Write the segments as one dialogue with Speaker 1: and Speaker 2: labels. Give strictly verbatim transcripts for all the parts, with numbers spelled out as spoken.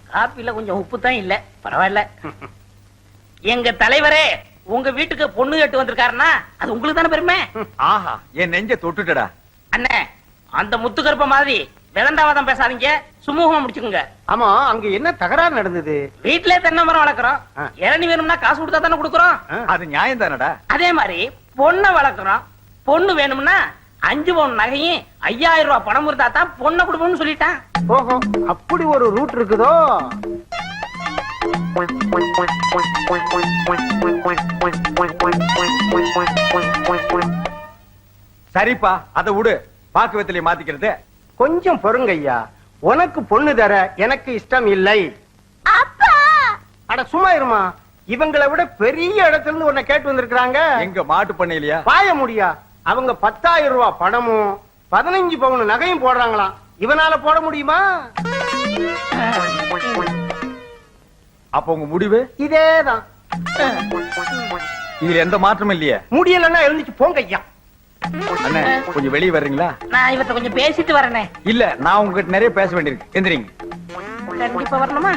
Speaker 1: காப்பில கொஞ்சம் உப்பு தான் இல்ல, பரவாயில்ல. எங்க தலைவரே உங்க வீட்டுக்கு பொண்ணு கேட்டு வந்திருக்காருன்னா அது உங்களுக்கு தானே பெருமை.
Speaker 2: ஆஹா, என் நெஞ்ச தொட்டுட்டடா.
Speaker 1: அண்ணே, அந்த முத்துக்கருப்ப மாதிரி விளண்டாவாதம் பேசாதீங்க, சுமூகமா முடிச்சுக்குங்க.
Speaker 3: ஆமா, அங்க என்ன தகராறு நடந்தது?
Speaker 1: வீட்லயே தென்னை மரம் வளர்க்குறோம், இளநீ வேணும்னா காசு கொடுத்தா தானே கொடுக்குறோம்.
Speaker 2: அது நியாயம் தானடா.
Speaker 1: அதே மாதிரி பொண்ணை வளர்க்குறோம், பொண்ணு வேணும்னா அஞ்சு பவுன் நகையும் ஐயாயிரம் ரூபாய் பணம் இருந்தா தான் பொண்ணை கொடுப்போம்னு சொல்லிட்டான்.
Speaker 3: ஓஹோ, அப்படி ஒரு ரூட் இருக்குதோ?
Speaker 2: சரிப்பா, அதை விடு. பாக்குவத்திலே மாத்திக்கிறது.
Speaker 3: கொஞ்சம் பொறுங்க ஐயா, உனக்கு பொண்ணு தர எனக்கு இஷ்டம் இல்லை. அட சும்மா இருமா, இவங்களை விட பெரிய இடத்துல இருந்து உன்னை கேட்டு வந்திருக்காங்க.
Speaker 2: எங்க மாட்டு பண்ணையிலயா?
Speaker 3: பாய முடியா, அவங்க பத்தாயிரம் ரூபாய் பணமும் பதினஞ்சு பவுன் நகையும் போடுறாங்களாம். இவனால போட முடியுமா?
Speaker 2: அப்ப உங்க முடிவு
Speaker 3: இதேதான்.
Speaker 2: இதுல எந்த மாற்றமும் இல்லையே.
Speaker 3: முடியலன்னா எழுந்துச்சு போங்க ஐயா.
Speaker 2: அண்ணே, கொஞ்சம் வெளியே வர்றீங்களா?
Speaker 1: நான் இவர்கிட்ட கொஞ்சம் பேசிட்டு வரேனே.
Speaker 2: இல்ல, நான் உங்ககிட்ட நிறைய பேச வேண்டியிருக்கு. எந்திரிங்க.
Speaker 1: கண்டிப்பா வரணுமா?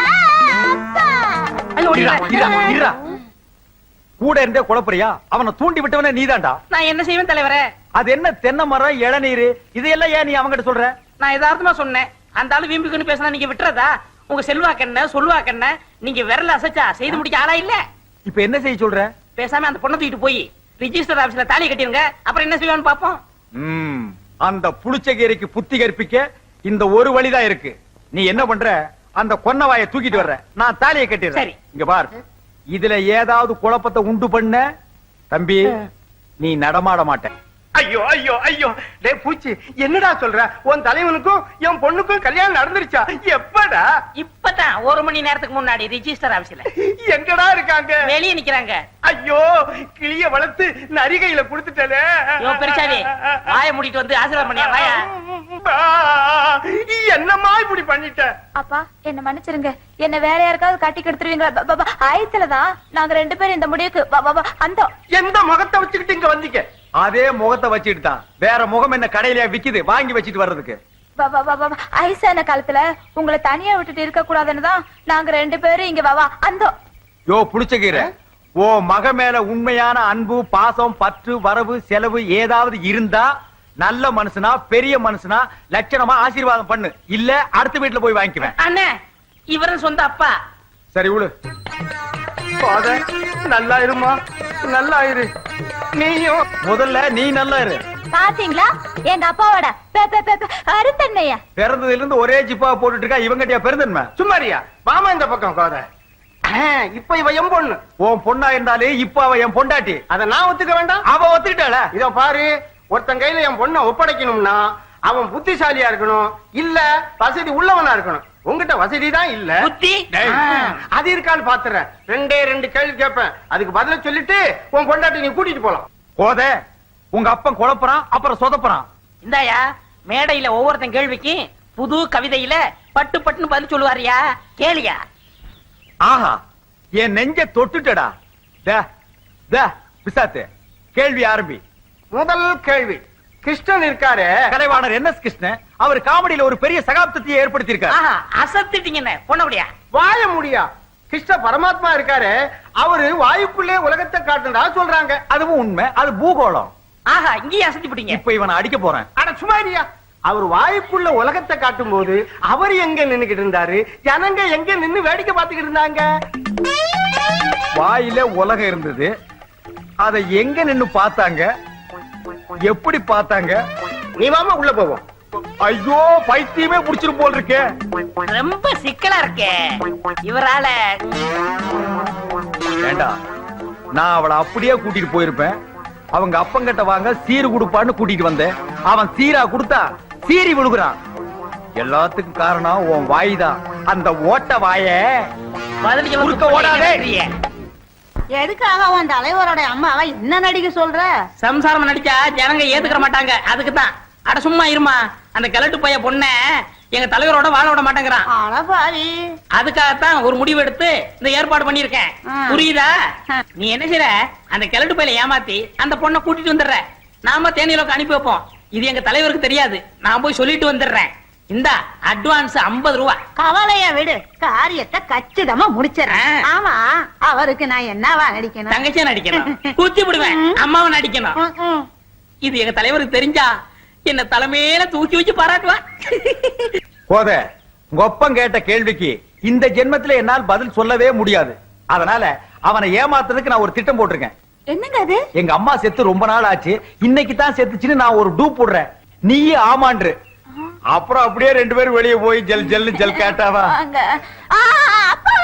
Speaker 2: கூட இருந்தே குழப்பறியா? அவனை தூண்டி விட்டவனே நீதான்டா.
Speaker 1: நான் என்ன செய்வேன் தலைவரே?
Speaker 2: அது என்ன தென்னை மரம், இளநீர், இதையெல்லாம் ஏன் நீ அவங்கிட்ட சொல்ற?
Speaker 1: நான் யதார்த்தமா சொன்னேன். அந்த ஆளு வீம்புக்குன்னு பேசினா நீங்க விட்டுறதா? உங்க செல்வாக்கண்ண சொல்வாக்கண்ண நீங்க விரல அசைச்சா செய்து முடிக்க ஆளா இல்ல.
Speaker 2: இப்ப என்ன செய்ய சொல்ற?
Speaker 1: பேசாம அந்த பொண்ணை தூக்கிட்டு போய் ரிஜிஸ்டர் ஆபீஸ்ல தாலி கட்டிருங்க, அப்புறம் என்ன செய்வான்னு பாப்போம்.
Speaker 2: ம், அந்த புளிச்சகீரைக்கு புத்தி கற்பிக்க இந்த ஒரு வழிதான் இருக்கு. நீ என்ன பண்ற? அந்த கொன்னவாயை தூக்கிட்டு வர்ற, நான் தாலியை கட்டிடுறேன்.
Speaker 1: சரி.
Speaker 2: இங்க பார், இதுல ஏதாவது குழப்பத்தை உண்டு பண்ண தம்பி நீ நடமாட மாட்ட.
Speaker 3: ஐயோ ஐயோ ஐயோ, டேய் பூச்சி, என்னடா சொல்ற? உன் தலைவனுக்கும் என் பொண்ணுக்கும் கல்யாணம் நடந்துருச்சா? எப்படா?
Speaker 1: இப்பதான் ஒரு மணி நேரத்துக்கு முன்னாடி ரிஜிஸ்டர் ஆபீஸ்ல.
Speaker 3: எங்கடா இருக்காங்க?
Speaker 1: வெளியே நிக்கிறாங்க.
Speaker 3: ஐயோ, கிளிய வளர்த்து நரிகையில குடுத்துட்டே.
Speaker 1: பெருசாவி வாய மூடிட்டு வந்து ஆசீர்வாதம் பண்ணியா? வாயா.
Speaker 3: என்னம்மா இப்படி பண்ணிட்ட?
Speaker 4: அப்பா, என்ன மன்னிச்சிருங்க. என்ன வேற யாருக்காவது கட்டி கெடுத்துருவீங்களா? ஆயத்துலதான் நாங்க ரெண்டு பேரும் இந்த முடிவுக்கு. அந்த
Speaker 3: எந்த முகத்தை வச்சுக்கிட்டு இங்க வந்தீங்க?
Speaker 2: அதே முகத்தை வச்சுட்டு தான். வேற முகம் என்ன கடையில விக்குது வாங்கி வச்சிட்டு வர்றதுக்கு?
Speaker 4: ஐசான காலத்துல உங்களை தனியா விட்டுட்டு இருக்க கூடாதுன்னு தான் நாங்க ரெண்டு பேரும் இங்க வாவா. அந்த
Speaker 2: யோ புளிச்சகீரை, ஓ மக மேல உண்மையான அன்பு, பாசம், பற்று, வரவு, செலவு ஏதாவது இருந்தா நல்ல மனுஷனா, பெரிய மனுஷனா லட்சணமா ஆசீர்வாதம் பண்ணு. இல்ல அடுத்த வீட்டுல போய் வாங்கிக்குவேன்.
Speaker 1: அண்ணே, இவரும் சொந்த அப்பா.
Speaker 2: சரி விடு.
Speaker 3: நல்லா இருமா, நல்லா இரு. நீயும்
Speaker 2: முதல்ல நீ நல்லா இரு.
Speaker 4: பாத்தீங்களா எங்க அப்பாவோட அருத்தன்மையா?
Speaker 2: பிறந்ததுல இருந்து ஒரே ஜிப்பா போட்டுட்டு இருக்கா. இவங்கட்டியா பெருந்தன்மை?
Speaker 3: சும்மாரியா, மாமா இந்த பக்கம் கோத. இப்ப இவ என் பொண்ணு.
Speaker 2: உன் பொண்ணா இருந்தாலே இப்ப அவ என் பொண்டாட்டி.
Speaker 3: அத நான் ஒத்துக்க வேண்டாம்?
Speaker 2: அவ ஒத்துக்கிட்டாள.
Speaker 3: இதோ பாரு, ஒருத்தன் கையில என் பொண்ணை ஒப்படைக்கணும்னா அவன் புத்திசாலியா இருக்கணும், இல்ல வசதி உள்ளவனா இருக்கணும். உங்ககிட்ட வசதி தான் இல்ல,
Speaker 1: புத்தி
Speaker 3: அது இருக்கான்னு பாத்துறேன். ரெண்டே ரெண்டு கேள்வி கேட்பேன், அதுக்கு பதில சொல்லிட்டு உன் பொண்டாட்டி நீ கூட்டிட்டு போலாம்.
Speaker 2: கோத, உங்க அப்பன் குழப்பறான், அப்புறம் சொதப்புறான்.
Speaker 1: இந்தாயா, மேடையில ஒவ்வொருத்தன் கேள்விக்கு புது கவிதையில பட்டு பட்டுன்னு பதில் சொல்லுவாரியா, கேளியா.
Speaker 2: ஆஹா, என் நெஞ்ச தொட்டுட்டடா. பிசாத்து, கேள்வி ஆரம்பி.
Speaker 3: முதல் கேள்வி, கிருஷ்ணன் இருக்காரு,
Speaker 2: கலைவாணர் என் எஸ் கிருஷ்ணன், அவர் காமெடியில ஒரு பெரிய சகாப்தத்தை ஏற்படுத்தி இருக்காரு.
Speaker 1: அசத்திட்டீங்க பொண்ணபடியா.
Speaker 3: வாய முடியா. கிருஷ்ண பரமாத்மா இருக்காரு, அவரு வாயுக்குள்ளே உலகத்தை காட்டுறதா சொல்றாங்க.
Speaker 2: அதுவும் உண்மை, அது பூகோளம்.
Speaker 1: ஆஹா, இங்கேயே அசத்தி போட்டீங்க.
Speaker 2: இப்ப இவனை அடிக்க போறேன்.
Speaker 3: அட சுமாரியா, அவர் வாயுக்குள்ள உலகத்தை காட்டும் போது அவர் எங்க நின்னுகிட்டு இருந்தாரு, ஜனங்க எங்க நின்னு வேடிக்கை பார்த்துக்கிட்டு இருந்தாங்க.
Speaker 2: வாயில உலகம் இருந்தது, அதை எங்க நின்னு பார்த்தாங்க, எப்படி பார்த்தாங்க?
Speaker 3: நீ வாமா உள்ள போவோம்.
Speaker 2: ஐயோ, பைத்தியமே புடிச்சிரும் போல் இருக்கே.
Speaker 1: ரொம்ப சிக்கலா இருக்கே இவரால.
Speaker 2: வேண்டாம், நான் அவளை அப்படியே கூட்டிட்டு போயிருப்பேன். அவங்க அப்பங்கிட்ட வாங்க சீரு கொடுப்பான்னு கூட்டிட்டு வந்தேன். அவன் சீரா கொடுத்தா சீரி விழுகுறான். எல்லாத்துக்கும் காரணம் உன் வாய் தான். அந்த ஓட்ட வாய ஓடாதே.
Speaker 5: எதுக்காக உன் தலைவரோட அம்மாவை என்ன நடிக்க சொல்ற?
Speaker 1: சம்சாரம் நடிச்சா ஜனங்க ஏத்துக்கிற மாட்டாங்க, அதுக்குதான். அட சும்மா இருமா, அந்த கிழட்டு பைய பொண்ண எங்க தலைவரோட வாழ விட மாட்டேங்கிறான்.
Speaker 5: அடபாவி,
Speaker 1: அதுக்காகத்தான் ஒரு முடிவு எடுத்து இந்த ஏற்பாடு பண்ணிருக்கேன். புரியுதா? நீ என்ன செய்ற, அந்த கிழட்டு பையில ஏமாத்தி அந்த பொண்ணை கூட்டிட்டு வந்துடுற. நாம தேனிலோக்கு அனுப்பி வைப்போம். இது எங்க தலைவருக்கு தெரியாது, நான் போய் சொல்லிட்டு வந்துடுறேன். இந்த அட்வான்ஸ் ஐம்பது ரூபா.
Speaker 5: கவலைய விடு, காரியத்தை கச்சிதமா முடிச்சிடறேன்.
Speaker 1: ஆ.
Speaker 5: ஆமா, அவருக்கு நான் என்னவா நடிக்கணும்?
Speaker 1: தங்கச்சியா நடிக்கணும், குத்தி விடுவேன், அம்மாவை நடிக்கணும்.
Speaker 5: ம், ம்.
Speaker 1: இது எங்க தலைவருக்கு தெரிஞ்சா என்ன தலைமையில தூக்கி வச்சு பாராட்டுவான்.
Speaker 2: போத உங்க ஒப்பம் கேட்ட கேள்விக்கு இந்த ஜென்மத்துல என்னால் பதில் சொல்லவே முடியாது. அதனால அவனை ஏமாத்துறதுக்கு நான் ஒரு திட்டம் போட்டிருக்கேன்.
Speaker 4: என்னங்க அது?
Speaker 2: எங்க அம்மா செத்து ரொம்ப நாள் ஆச்சு, இன்னைக்கு தான் செத்துச்சுன்னு நான் ஒரு டூ போடுறேன். நீயே ஆமான்று. அப்புறம் அப்படியே ரெண்டு பேரும் வெளியே போய் ஜல் ஜல்லு ஜல் கேட்டாவா?
Speaker 4: வாங்க. ஆ, அப்பா.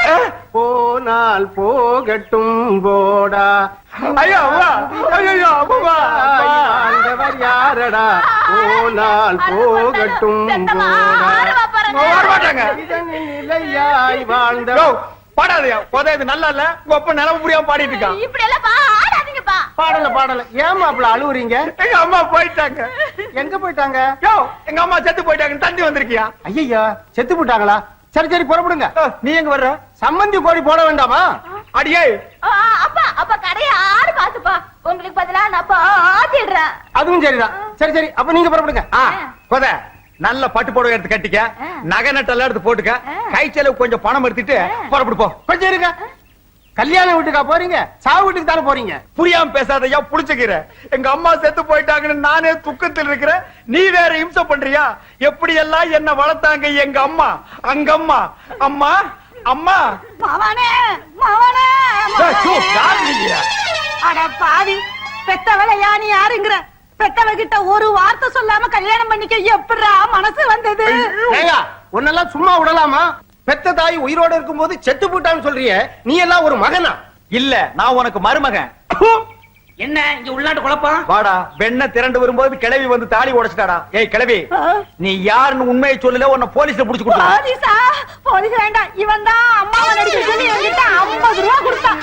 Speaker 3: போனால் போகட்டும் போடா.
Speaker 2: ஐயோ அம்மா, ஐயோ அம்மா,
Speaker 3: ஆண்டவர் யாரடா? போனால் போகட்டும்
Speaker 4: செத்தமா,
Speaker 3: போடா.
Speaker 4: ஆறுவா பாருங்க.
Speaker 2: வர மாட்டாங்க.
Speaker 3: இதனில் நிலையாய் வாழ்ந்த
Speaker 2: யோ, பாடாதயா போத, இது நல்லா இல்ல. உங்க அப்பா நிலவு புரியாம பாடிட்டு இருக்கான்.
Speaker 4: இப்படி எல்லாம் பா, ஆடாதீங்கப்பா.
Speaker 3: பாடல பாடல ஏமா அப்படி அழுவுறீங்க?
Speaker 2: எங்க அம்மா போயிட்டாங்க.
Speaker 3: எங்க போயிட்டாங்க?
Speaker 2: யோ, எங்க அம்மா செத்து போயிட்டாங்க. தந்தி வந்திருக்கியா?
Speaker 3: ஐயா செத்து போட்டாங்களா? சரி சரி புறப்படுங்க.
Speaker 2: ஓ, நீ எங்க வர்ற?
Speaker 3: சம்மந்தி கோழி போட வேண்டாமா?
Speaker 2: அடியே,
Speaker 4: ஆ, அப்பா அப்பா கடையை ஆறு காசுப்பா. உங்களுக்கு பதிலா நான் அப்பா ஆத்திடுறேன்.
Speaker 3: அதுவும் சரிதான். சரி சரி அப்ப நீங்க புறப்படுங்க.
Speaker 2: ஆ, போத நல்ல பட்டு புடவை எடுத்து கட்டிக்க, நகை நட்டெல்லாம் எடுத்து போட்டுக்க, கை செலவு கொஞ்சம் பணம் எடுத்துட்டு புறப்படு போ.
Speaker 3: கொஞ்சம் இருங்க. கல்யாண வீட்டுக்கா போறீங்க? சாவு வீட்டுக்கு தானே போறீங்க?
Speaker 2: புரியாம பேசாதயா, புடிச்சுக்கிற. எங்க அம்மா செத்து போயிட்டாங்கன்னு நானே துக்கத்தில் இருக்கிறேன், நீ வேற இம்சை பண்றியா? எப்படி எல்லாம் என்ன வளர்த்தாங்க எங்க அம்மா. அங்க அம்மா அம்மா அம்மா.
Speaker 5: மவனே, மவனே,
Speaker 2: ஏய், சு, யார் நீங்க?
Speaker 5: அட பாவி, பெத்தவளை யானி யாருங்கிற? பெத்தவகிட்ட ஒரு வார்த்தை சொல்லாம கல்யாணம் பண்ணிக்க எப்படிடா மனசு வந்தது?
Speaker 3: ஏங்க உன்னெல்லாம் சும்மா விடலாமா? பெத்த தாய் உயிரோட இருக்கும்போது செத்து போட்டான்னு சொல்றியே, நீ எல்லாம் ஒரு மகனா?
Speaker 2: இல்ல, நான் உனக்கு மருமகன்.
Speaker 1: என்ன இங்க உள்நாட்டு குழப்பம்?
Speaker 2: வாடா, வெண்ண திரண்டு வரும்போது கிளவி வந்து தாலி உடைச்சிட்டாடா. ஏய் கிளவி, நீ யாருன்னு உண்மையை சொல்லல, உன்னை போலீஸ்ல புடிச்சு கொடுத்தா.
Speaker 5: போலீஸா? போலீஸ் வேண்டாம், இவன் தான் அம்மாவை நடிக்க சொல்லி என்கிட்ட ஐம்பது ரூபா கொடுத்தான்.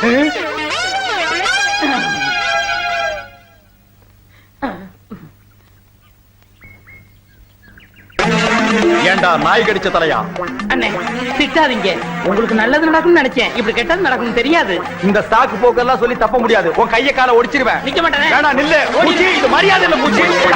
Speaker 2: ஏண்டா நாய் கடிச்ச தலையா?
Speaker 1: அண்ணே திட்டாதீங்க, உங்களுக்கு நல்லது நடக்கும்னு நினைச்சேன், இப்படி கெட்டது நடக்கும் தெரியாது.
Speaker 2: இந்த சாக்கு போக்கெல்லாம் சொல்லி தப்ப முடியாது. உன் கைய கால ஒடிச்சிருவேன்.
Speaker 1: நிக்க மாட்டேனே.
Speaker 2: வேணா நில்லு. பூச்சி, இது மரியாதை இல்ல பூச்சி.